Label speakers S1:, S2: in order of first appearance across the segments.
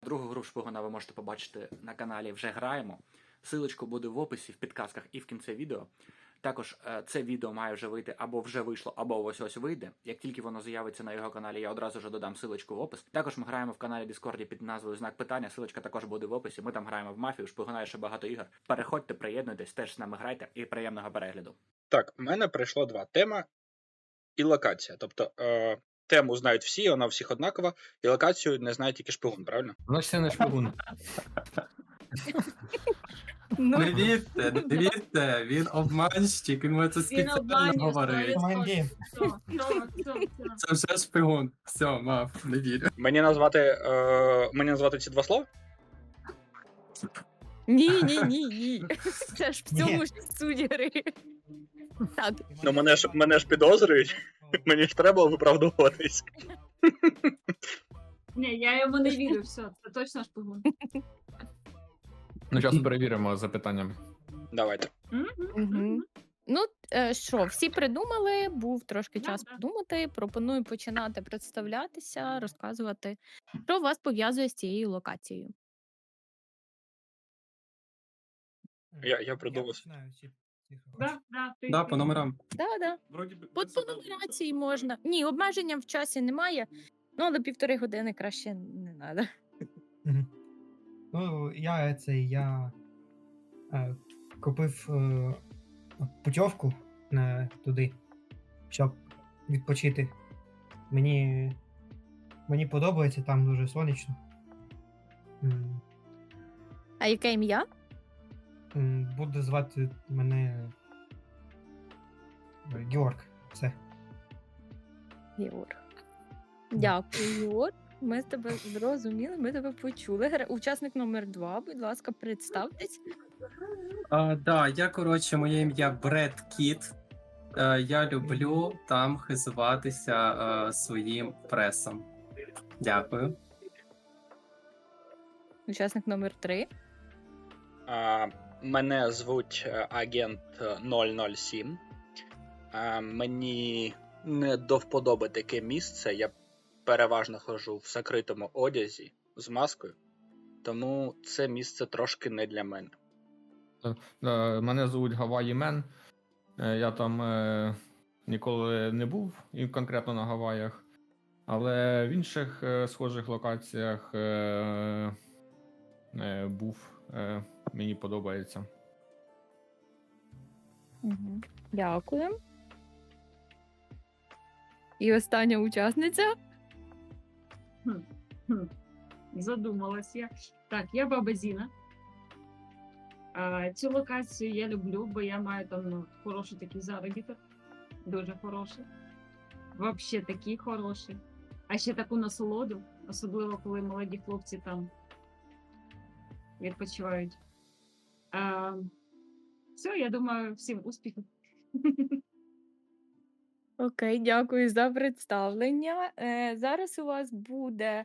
S1: Другу гру шпигуна ви можете побачити на каналі «Вже граємо». Силочку буде в описі, в підказках і в кінці відео. Також це відео має вже вийти або вже вийшло, або ось вийде. Як тільки воно з'явиться на його каналі, я одразу ж додам силочку в опис. Також ми граємо в каналі Discord під назвою «Знак питання». Силочка також буде в описі. Ми там граємо в мафію, шпигуна і ще багато ігор. Переходьте, приєднуйтесь, теж з нами грайте і приємного перегляду.
S2: Так, у мене прийшло два: тема і локація. Тобто тему знають всі, вона у всіх однакова, і локацію не знає тільки шпигун, правильно?
S3: Значить, це не шпигун.
S4: Ну,
S5: Не вірте, він обманщик, він це
S4: він
S5: спеціально
S4: обманює
S5: говорить.
S4: 100%.
S5: Це вже шпигун. Все, мав, не вірю.
S2: Мені назвати ці два слова?
S4: Ні. Це ж в цьому ж суть гри. Так,
S2: Ну мене ж підозрюють, мені ж треба виправдовуватись.
S6: Ні, я йому не вірю, все, це точно шпигун.
S3: Ну, зараз перевіримо запитаннями.
S2: Давайте.
S4: Мгм. Ну, що, всі придумали, був трошки
S6: Да,
S4: час
S6: да.
S4: подумати. Пропоную починати представлятися, розказувати, що вас пов'язує з цією локацією.
S2: Я придумав.
S5: Да, по номерам.
S4: Да. По нумерації можна. Ні, обмеження в часі немає, ну, але 1,5 години краще не треба.
S7: Мгм. Ну, я купив путівку туди, щоб відпочити. Мені подобається, там дуже сонячно.
S4: А яке ім'я?
S7: Буде звати мене Георг. Все.
S4: Георг. Дякую, Георг. Ми з тебе зрозуміли, ми тебе почули. Учасник номер 2, будь ласка, представтесь.
S5: Да, моє ім'я Бред Кіт. Я люблю там хизуватися своїм пресом. Дякую.
S4: Учасник номер 3.
S2: Мене звуть агент 007. Мені не до вподоби таке місце. Я переважно ходжу в закритому одязі з маскою, тому це місце трошки не для мене.
S3: Мене звуть Гаваї Мен. Я там ніколи не був, і конкретно на Гаваях, але в інших схожих локаціях був. Мені подобається.
S4: Угу. Дякую. І остання учасниця.
S6: Задумалась я. Так, я баба Зіна. Цю локацію я люблю, бо я маю там хороший такий заробіток. Дуже хороший. Вообще такий хороший. А ще таку насолоду, особливо коли молоді хлопці там відпочивають. Все, я думаю, всім успіхів.
S4: Окей, дякую за представлення. Зараз у вас буде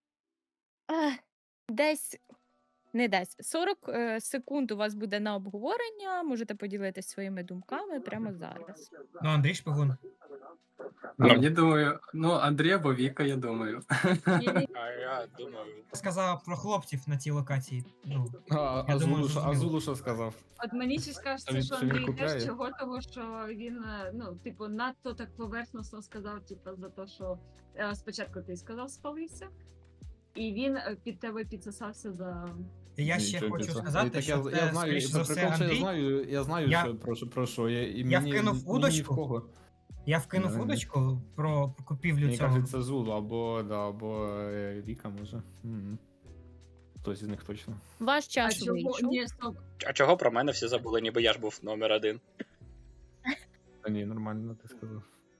S4: десь 40 секунд у вас буде на обговорення. Можете поділитися своїми думками прямо зараз.
S7: Ну, Андрій шпигун.
S5: Мені думаю, Андрій або Віка, я думаю.
S2: А я думаю,
S7: Сказав про хлопців на цій локації. Ну,
S3: А
S7: думаю, зрозуміло.
S3: Зулу що сказав?
S6: От мені ще кажеться, що
S3: Що він
S6: Андрій
S3: купляє?
S6: теж чого, того що він, надто так поверхносно сказав, за те, що спочатку ти сказав, спалився, і він під тебе підсосався за...
S7: Я ще
S3: Нічого
S7: хочу
S3: собі.
S7: сказати,
S3: Так
S7: що
S3: я
S7: це,
S3: знаю,
S7: скоріш за все, Андрій.
S3: я знаю,
S7: Я-
S3: про що.
S7: Я вкинув удочку.
S3: Ні в кого.
S7: Я вкинув
S3: Не.
S7: удочку про купівлю
S3: Мені
S7: цього.
S3: кажуть, це Зулу або Віка, може. Хтось із них точно.
S4: Ваш
S6: А
S4: час
S6: чого?
S4: вийшов.
S6: Ні, стоп.
S2: а чого про мене всі забули, ніби я ж був номер 1?
S3: Та ні, нормально ти сказав.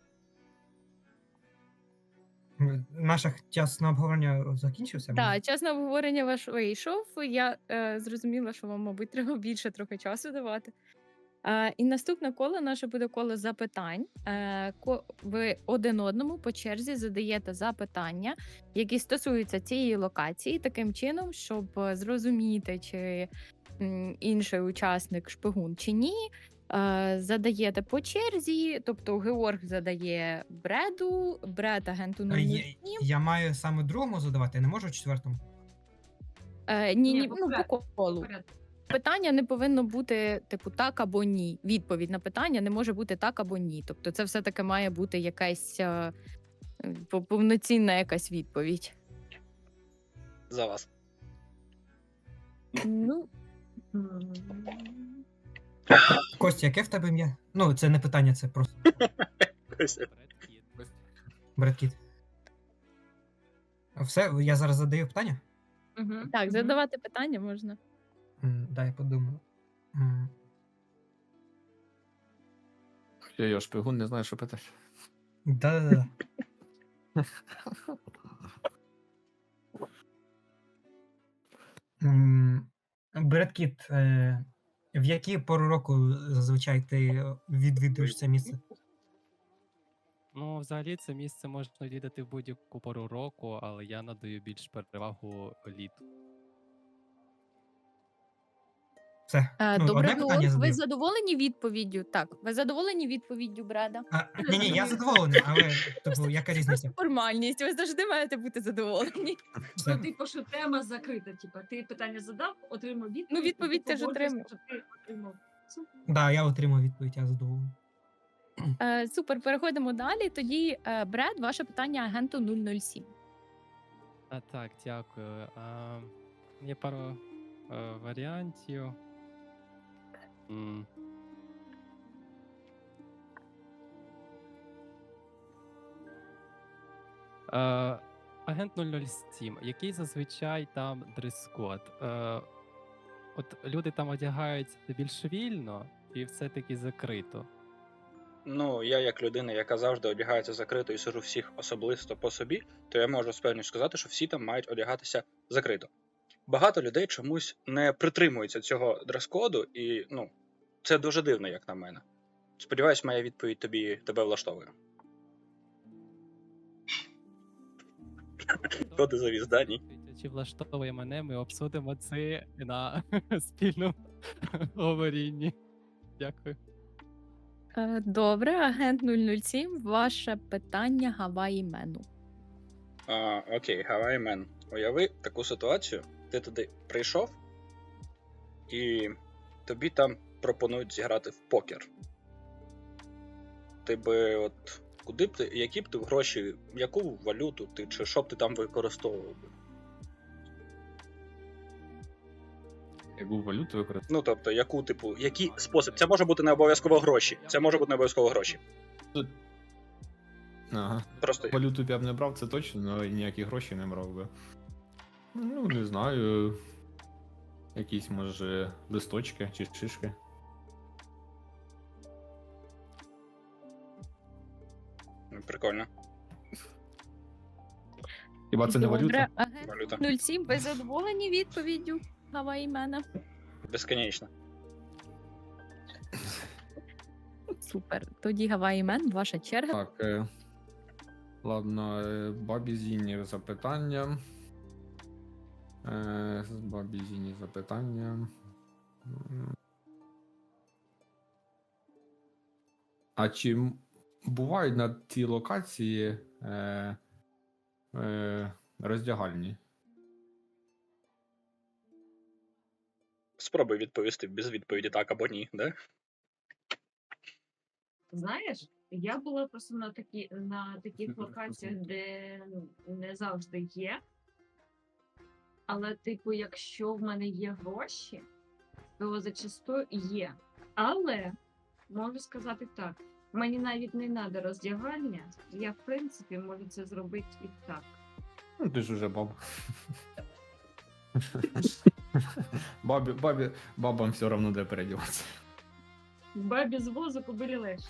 S7: Наш час на обговорення закінчився?
S4: Так, час на обговорення ваш вийшов. Я зрозуміла, що вам, мабуть, треба більше трохи часу давати. І наступне коло наше буде коло запитань. Ви один одному по черзі задаєте запитання, які стосуються цієї локації, таким чином, щоб зрозуміти, чи інший учасник шпигун чи ні. Задаєте по черзі, тобто Георг задає Бреду, Бред агенту 007.
S7: Я маю саме другому задавати, я не можу четвертому.
S4: Ні,
S6: Ні,
S4: ну, по
S6: порядку.
S4: колу.
S6: Порядку.
S4: Питання не повинно бути, типу, так або ні. Відповідь на питання не може бути так або ні. Тобто це все-таки має бути якась повноцінна якась відповідь.
S2: За вас.
S4: Ну,
S7: Костя, яке в тебе ім'я? Ну, це не питання, це просто Бред Кіт. Все, я зараз задаю питання?
S4: так, задавати питання можна.
S7: Дай я подумаю. М,
S3: Я шпигун, не знаю, що питати.
S7: Да-да-да. Бред Кіт, в які пору року зазвичай ти відвідуєш це місце?
S8: Ну, взагалі, це місце можна відвідати в будь-яку пору року, але я надаю більш перевагу літу.
S7: Все. Ну,
S4: Добре,
S7: одне питання
S4: ви
S7: задаю.
S4: задоволені відповіддю? Так, ви задоволені відповіддю, Бреда?
S7: Ні, я задоволений, але типу, яка різниця?
S4: Формальність, ви завжди маєте бути задоволені.
S7: Все.
S6: Ну, типу, що тема закрита. Типа, ти питання задав, отримав відповідь.
S4: Ну, відповідь
S6: і ти
S4: ти ж
S6: погоджуєшся,
S4: отримав.
S6: що ти отримав.
S7: Да, я отримав відповідь, я задоволений.
S4: Супер, переходимо далі. Тоді, Бред, ваше питання агенту 007.
S8: Так, дякую. Є пару варіантів. М. Агент 007. Який зазвичай там дрес-код? От люди там одягаються більш вільно і все-таки закрито.
S2: Ну, я як людина, яка завжди одягається закрито і сижу всіх особисто по собі, то я можу з певністю сказати, що всі там мають одягатися закрито. Багато людей чомусь не притримуються цього дрес-коду, і ну, це дуже дивно, як на мене. Сподіваюсь, моя відповідь тебе влаштовує. Хто ти завіз, да, ні?
S8: Чи влаштовує мене, ми обсудимо це на спільному говорінні. Дякую.
S4: Добре, агент 007, ваше питання Гаваї Мену.
S2: Окей, Hawaii Man. Уяви таку ситуацію. Ти туди прийшов, і тобі там пропонують зіграти в покер. Ти би от куди б ти, які б ти гроші, яку валюту ти, чи що б ти там використовував би?
S3: Яку валюту використовувати?
S2: Ну, тобто, яку, типу, який спосіб? Це може бути не обов'язково гроші. Це може бути не обов'язково гроші.
S3: Ага.
S2: Просто
S3: Валюту б я б не брав, це точно, але ніякі гроші не брав би. Ну, не знаю. Якісь, може, листочки чи шишки.
S2: прикольно.
S3: Хіба це не
S4: Добре,
S3: валюта?
S4: агент
S2: Валюта.
S4: 07, ви задоволені відповіддю Гаваї Мена?
S2: Безконечно.
S4: Супер. Тоді Гаваї Мен, ваша черга.
S3: Так, ладно, Бабі Зіні запитання. Бабі Зіні запитання. А чи бувають на цій локації роздягальні?
S2: Спробуй відповісти без відповіді так або ні, да?
S6: Знаєш, я була просто на таких локаціях, де не завжди є. Але, типу, якщо в мене є гроші, то зачастую є. Але можу сказати так: мені навіть не треба роздягання, я в принципі можу це зробити і так.
S3: Ну, ти ж уже баба. Бабам все одно де передіватися.
S6: Бабі з возу кобилі легше.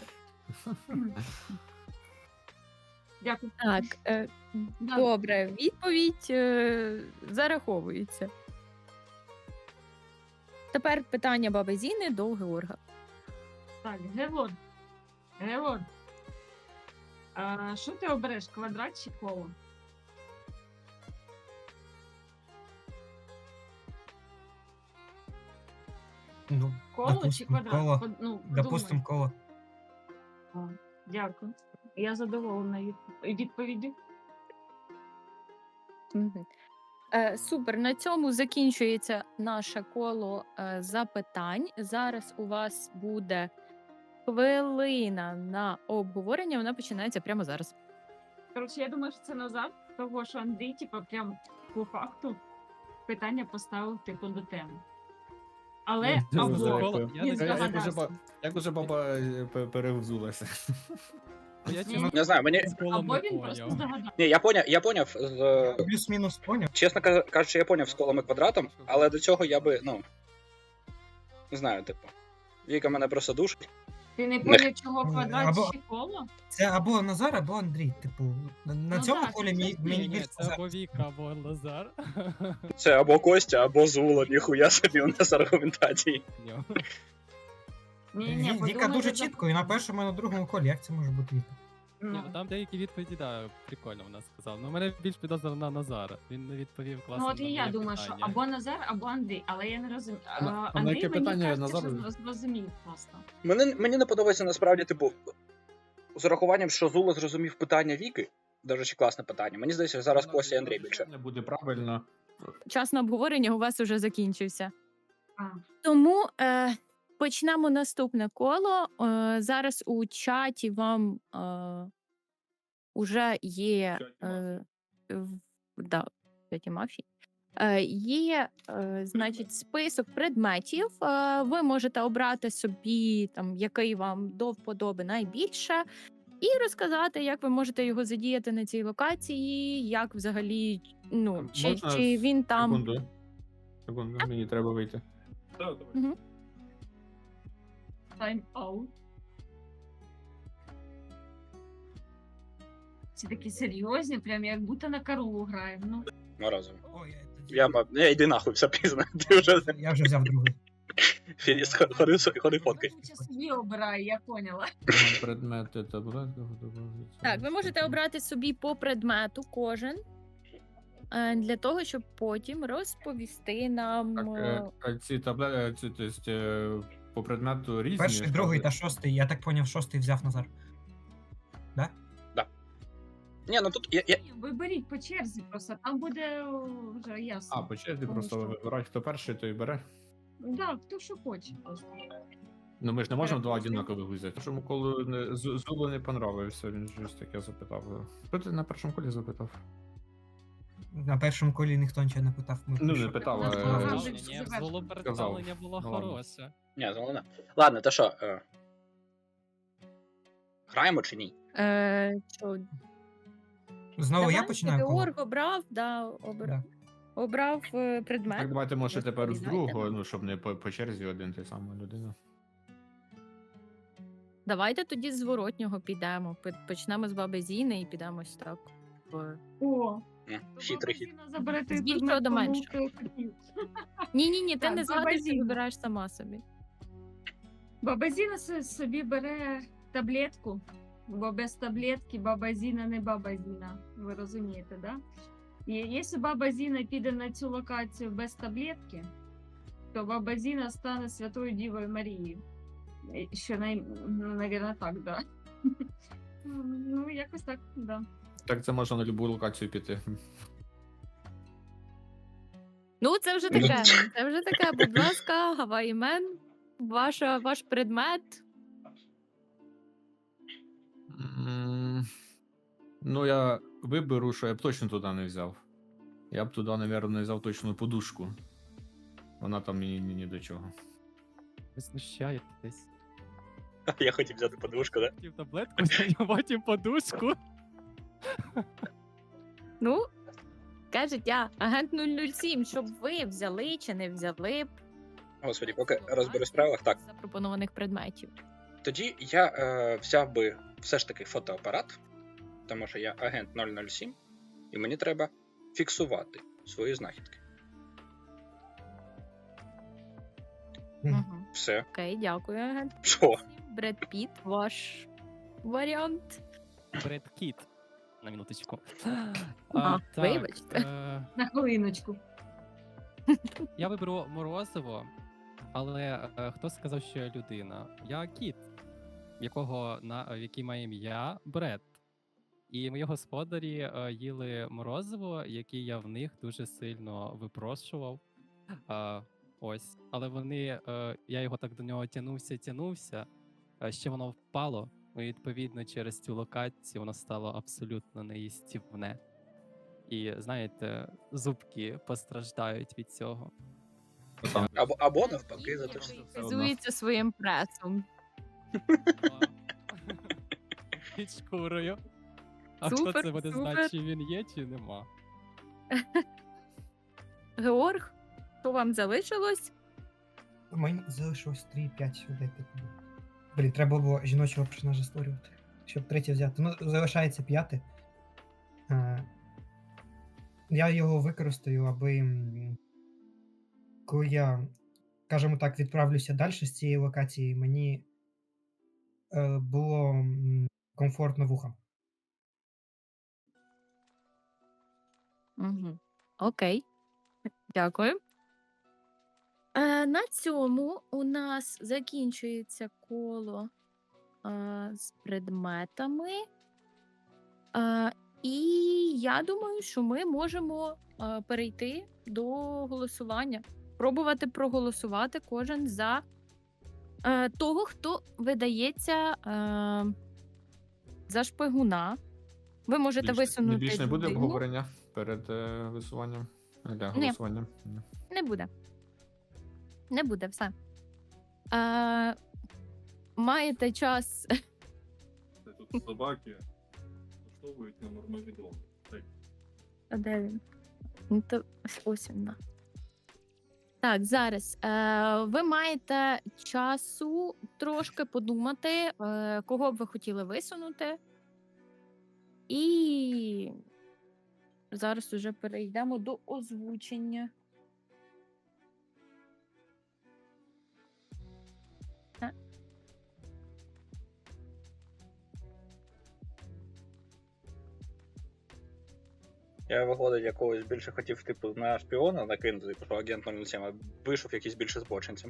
S6: Дякую.
S4: Так,
S6: Да.
S4: добре, відповідь зараховується. Тепер питання баби Зіни до Георга.
S6: Так, Георг. А що ти обереш, квадрат чи коло?
S7: Ну,
S6: Коло чи
S7: допустим,
S6: квадрат?
S7: коло.
S6: Ну,
S7: Допустим, коло.
S6: подумай. Дякую. Я задоволена відповіддю.
S4: Мгм. Супер. На цьому закінчується наше коло запитань. Зараз у вас буде хвилина на обговорення. Вона починається прямо зараз.
S6: Коротше, я думаю, що це Назар, того що Андрій, типу, прям по факту питання поставив типу до теми. Але
S8: Ну,
S6: або
S8: дякую.
S6: він
S8: Я
S6: здогадався,
S3: Як уже баба перевзулася.
S8: Я
S6: Ні,
S8: чесно
S2: Не знаю, мені.
S8: колом
S6: або
S8: не
S6: він просто
S8: поняв.
S6: здогадався.
S2: Ні, я поняв з.
S7: Плюс-мінус поняв.
S2: Чесно кажучи, я поняв з колом і квадратом, але до цього я би, ну. Не знаю, типу. Віка мене просто душить.
S6: Ти не поняв, чого квадрат
S7: Або-
S6: чи коло?
S7: Це або Назар, або Андрій. Типу, на
S6: Ну
S7: цьому
S6: так,
S7: колі
S6: це
S7: мені,
S6: чесно.
S7: мені
S8: Ні,
S7: більше
S8: це або Віка, або Лазар.
S2: Це або Костя, або Зула, ніхуя собі у нас аргументації.
S6: Ні,
S7: Віка дуже чітко, і на першому, і на другому колі. Як це може бути Віка?
S8: Ні, ну там деякі відповіді, да, прикольно вона сказала. Ну, мене більш підозрював на Назара. Він не відповів класно.
S6: Ну от
S8: на
S6: і я
S8: моє
S6: думаю, що
S8: питання.
S6: або Назар, або Андрій, але я не розумію.
S3: на
S6: Андрій
S3: яке
S6: мені
S3: питання
S6: кажеться,
S3: Назар?
S6: що зрозумів просто.
S2: Мені не подобається насправді, типу, з урахуванням, що Зула зрозумів питання Віки. До речі, класне питання. Мені здається, зараз Костя і Андрій більше.
S3: Не буде правильно.
S4: Час на обговорення у вас уже закінчився.
S6: А.
S4: Тому почнемо наступне коло. Зараз у чаті вам уже є да, в чаті мафії. Є, значить, список предметів. Ви можете обрати собі, там, який вам до вподоби найбільше, і розказати, як ви можете його задіяти на цій локації, як взагалі, ну,
S3: Можна
S4: чи він там.
S3: Секунду, мені треба вийти.
S4: Мгм.
S6: Тайм-аут. Ці такі серйозні, прям як будто на Карулу граємо. Ну,
S2: Морозово.
S7: Ой,
S2: Я йди нахуй, все пізно. Ти вже
S7: я вже взяв другий.
S2: фініс, ходи фоткай.
S6: лучше собі обирай, я поняла.
S3: Предмети таблетки.
S4: Так, ви можете обрати собі по предмету кожен для того, щоб потім розповісти нам.
S3: Ці таблетки, тобто, по предмету різні.
S7: Перший,
S3: що
S7: другий
S3: ви-
S7: та шостий. Я так поняв, шостий взяв Назар.
S2: Ні, ну тут я.
S6: Ви беріть по черзі, просто там буде вже ясно.
S3: А, по черзі
S6: Тому
S3: просто
S6: що-
S3: вибирати, хто перший, той бере.
S6: Да, хто що хоче просто.
S3: Ну ми ж не можемо два
S6: Перепрошую.
S3: однакових взяти. Тому коли Зулу не понравився, він щось таке запитав. Хто ти на першому колі запитав?
S7: На першому колі ніхто нічого не питав. Ми
S3: Ну, не
S7: пішли.
S3: питав,
S6: Ну,
S3: а
S6: сказав,
S3: е,
S6: що
S8: Ні,
S6: завершено.
S8: було представлення було
S3: Ну, ладно.
S8: хороше.
S2: Ні, головне. Ладно, то що? Граємо чи ні?
S4: Що,
S7: Знову я
S4: давайте,
S7: починаю коло?
S4: Георг обрав,
S7: Да.
S4: обрав предмет.
S3: Так, давайте може тепер з
S4: Розповідайте
S3: другого,
S4: нам.
S3: ну щоб не по черзі один той самий людина.
S4: Давайте тоді з зворотнього підемо. Почнемо з баби Зіни і підемо ось так.
S6: О,
S2: Хитрий хід.
S6: заберете
S4: З більшого до меншого. Ні, ти
S6: Так,
S4: не
S6: баба
S4: згадуєш, ти
S6: Зіна.
S4: вибираєш сама собі.
S6: Баба Зіна собі бере таблетку, бо без таблетки баба Зіна не баба Зіна. Ви розумієте, да? І якщо баба Зіна піде на цю локацію без таблетки, то баба Зіна стане Святою Дівою Марією. Що, навірно, так, да. Ну, якось так, да.
S3: Так це можна на будь-яку локацію піти.
S4: Ну, це вже таке. Це вже таке. Будь ласка, Гаваймен, ваш предмет.
S3: Ну, я виберу, що я б точно туди не взяв. Я б туди, мабуть, не взяв точно подушку. Вона там мені ні до чого.
S8: Ви знущаєтесь.
S2: Я хотів взяти подушку, да?
S8: Хотів таблетку, а потім подушку.
S4: Ну, кажуть, я агент 007, щоб ви взяли чи не взяли б
S2: Господі, поки розберусь в правилах. Так,
S4: запропонованих предметів.
S2: тоді я взяв би все ж таки фотоапарат, тому що я агент 007, і мені треба фіксувати свої знахідки.
S4: Угу.
S2: Все.
S4: Окей, дякую, агент.
S2: Що?
S4: Бред Піт, ваш варіант.
S8: Бред Кіт. На минуточку.
S4: Вибачте.
S6: На хвилиночку.
S8: Я виберу Морозиво, але хто сказав, що я людина? Я кіт, в який має ім'я Бред. І мої господарі їли морозиво, яке я в них дуже сильно випрошував. Ось, але я його так до нього тянувся, ще воно впало. І відповідно через цю локацію воно стало абсолютно неїстівне. І знаєте, зубки постраждають від цього.
S2: Або навпаки, за те, що
S3: Все одно.
S4: Хизується своїм пресом.
S8: Під шкурою. А хто
S4: Супер,
S8: це буде знати,
S4: супер.
S8: чи він є, чи нема?
S4: Георг, що вам залишилось?
S7: Мені залишилось 3-5 сюди. Типу. Блін, треба було жіночого персонажа створювати, щоб третє взяти. Ну, залишається 5. Я його використаю, аби коли я, скажімо так, відправлюся далі з цієї локації, мені було комфортно вухам.
S4: Угу. Окей. Дякую. На цьому у нас закінчується коло з предметами. І я думаю, що ми можемо перейти до голосування. Пробувати проголосувати кожен за того, хто видається за шпигуна. Ви можете висунути
S3: Більш не буде
S4: людину.
S3: обговорення перед висуванням? Для голосування? Ні.
S4: Не буде. Не буде, все. Маєте час.
S9: Тут собаки влаштовують на нормальний дом.
S4: А де він? Ну, то ось він. Так, зараз. Ви маєте часу трошки подумати, кого б ви хотіли висунути. І зараз уже перейдемо до озвучення.
S2: Я, виходить, якогось більше хотів, типу, на шпіона накинути, типу, що агент 007, а вийшов якийсь більше збочинцем.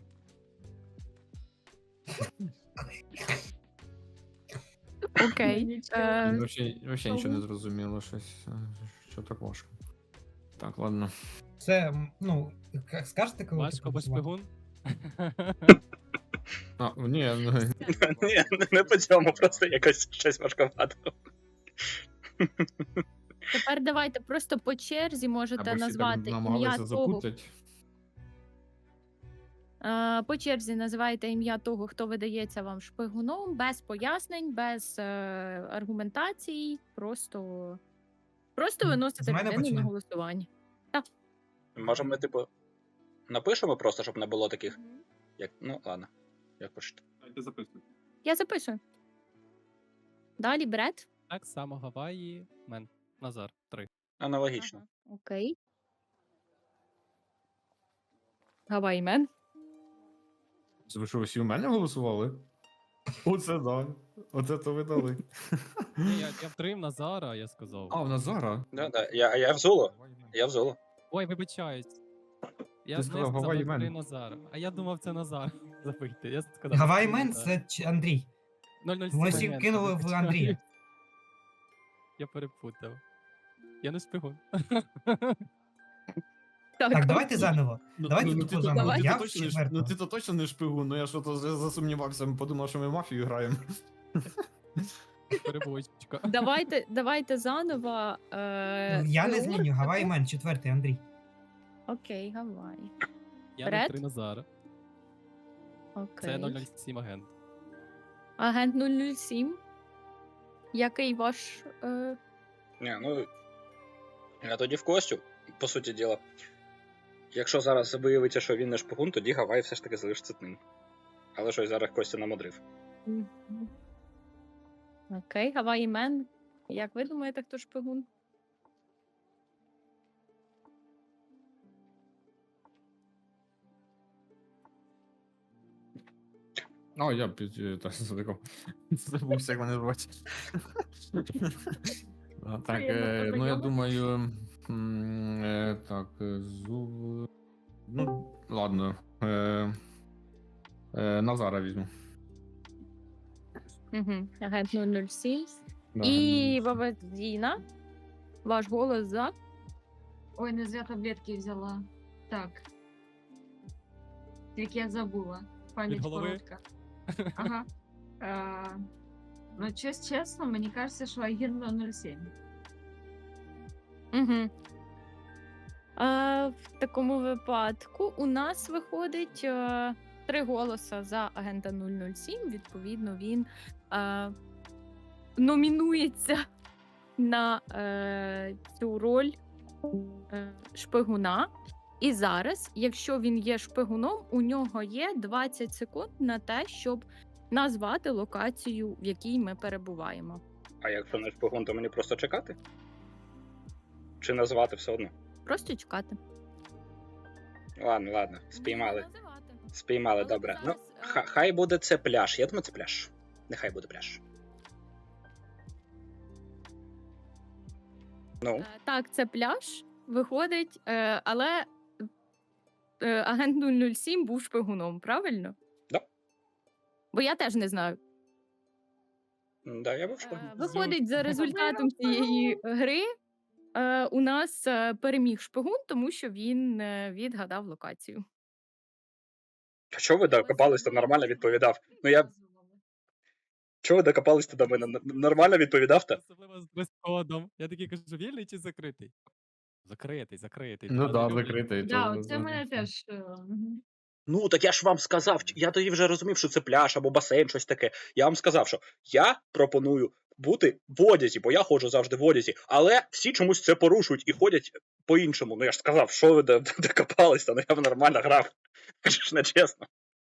S4: Окей.
S3: Вообще нічого не зрозуміло, щось. Що так важко. Так, ладно.
S7: Це, скажете, коли
S8: Важко, бо шпигун.
S3: Ні,
S2: Ні, не по цьому, просто якось щось важковато.
S4: Тепер давайте просто по черзі можете назвати ім'я того. По черзі називайте ім'я того, хто видається вам шпигуном, без пояснень, без аргументацій, просто виносите
S7: мене
S4: людину на
S7: почнемо?
S4: голосування.
S2: Може ми, типу, напишемо просто, щоб не було таких, як, ну, ладно, як хочете.
S9: Дайте записуйте.
S4: Я записую. Далі Бред.
S8: Так само Гаваї, Мен. Назар, 3.
S2: Аналогічно.
S4: Ага, окей. Гаваймен.
S3: Ви що, всі у мене голосували? Оце да. Оце то ви дали.
S8: Ні, я втримав Назара, я сказав.
S3: В Назара?
S2: Да. Я в Золо. Я в Золо.
S8: Ой, вибачаюсь. Я
S3: Ти сказав
S8: сказав
S3: Гавайї
S8: три
S3: Мен.
S8: Назара. А я думав, це Назар. Забийте. Я сказав.
S7: Гаваймен
S8: Назар.
S7: це Андрій.
S8: 007
S7: Ми всі
S8: агент,
S7: кинули в
S8: вибачаюсь.
S7: Андрія.
S8: Я перепутав. Я не шпигун.
S7: Так, давайте заново. Давайте
S3: ти
S7: тако
S3: то-
S7: заново.
S4: Давай.
S7: Я
S3: ти
S7: в
S3: точно не ш-
S7: четвертого.
S3: ти то точно не шпигун, ну я що то засумнівався, подумав, що ми мафію граємо.
S8: Перебочка.
S4: Давайте заново.
S7: Я не
S4: Георг,
S7: зміню. Гаваймен, четвертий, Андрій.
S4: Окей, Гавай.
S8: Я
S4: Бред?
S8: 03 Назара.
S4: Окей.
S8: Це 007 агент.
S4: Агент 007. Який ваш.
S2: Ні, ну, я тоді в Костю, по суті діла. Якщо зараз виявиться, що він не шпигун, тоді Гавай все ж таки залишиться ним. Але щось зараз Костя намудрив.
S4: Окей, Гаваймен. Як ви думаєте, хто шпигун?
S3: Я задикав. Забувся, як мене звати. Так,
S4: Приємно
S3: ну я
S4: познайомитись.
S3: думаю. Так, ну, ладно.
S4: Угу. Агент 007.
S3: Да,
S4: І баба Діна, ваш голос за.
S6: Ой, не зря таблетки взяла. Так. Як я забула. Пам'ять
S8: голови?
S6: коротка. Ага. Ну, чесно, мені кажеться, що агент 007.
S4: Угу. В такому випадку у нас виходить 3 голоса за агента 007. Відповідно, він номінується на цю роль шпигуна. І зараз, якщо він є шпигуном, у нього є 20 секунд на те, щоб назвати локацію, в якій ми перебуваємо.
S2: А якщо не шпигун, то мені просто чекати? Чи назвати все одно?
S4: Просто чекати.
S2: Ладно, спіймали.
S4: Ні, називати.
S2: Спіймали,
S4: Але
S2: добре. Ну,
S4: зараз,
S2: хай буде це пляж. Я думаю, це пляж. Нехай буде пляж. Ну,
S4: Так, це пляж, виходить, але агент 007 був шпигуном, правильно?
S2: Да.
S4: Бо я теж не знаю.
S2: да, я був шпигун.
S4: Виходить, за результатом цієї гри у нас переміг шпигун, тому що він відгадав локацію.
S2: А чого ви докопались, то нормально відповідав? Ну я. Чого ви докопались до мене? Нормально відповідав то?
S8: Особливо з дрес-кодом. Я такий кажу, вільний чи закритий? Закритий.
S3: Ну
S8: Та,
S3: да,
S8: не люблю.
S3: закритий.
S6: Да,
S3: то-
S6: це мене теж. Мгм.
S2: Ну, так я ж вам сказав, я тоді вже розумів, що це пляж або басейн, щось таке. Я вам сказав, що я пропоную бути в одязі, бо я ходжу завжди в одязі, але всі чомусь це порушують і ходять по-іншому. Ну я ж сказав, що ви докопались, ну я б нормально грав. Це ж не чесно.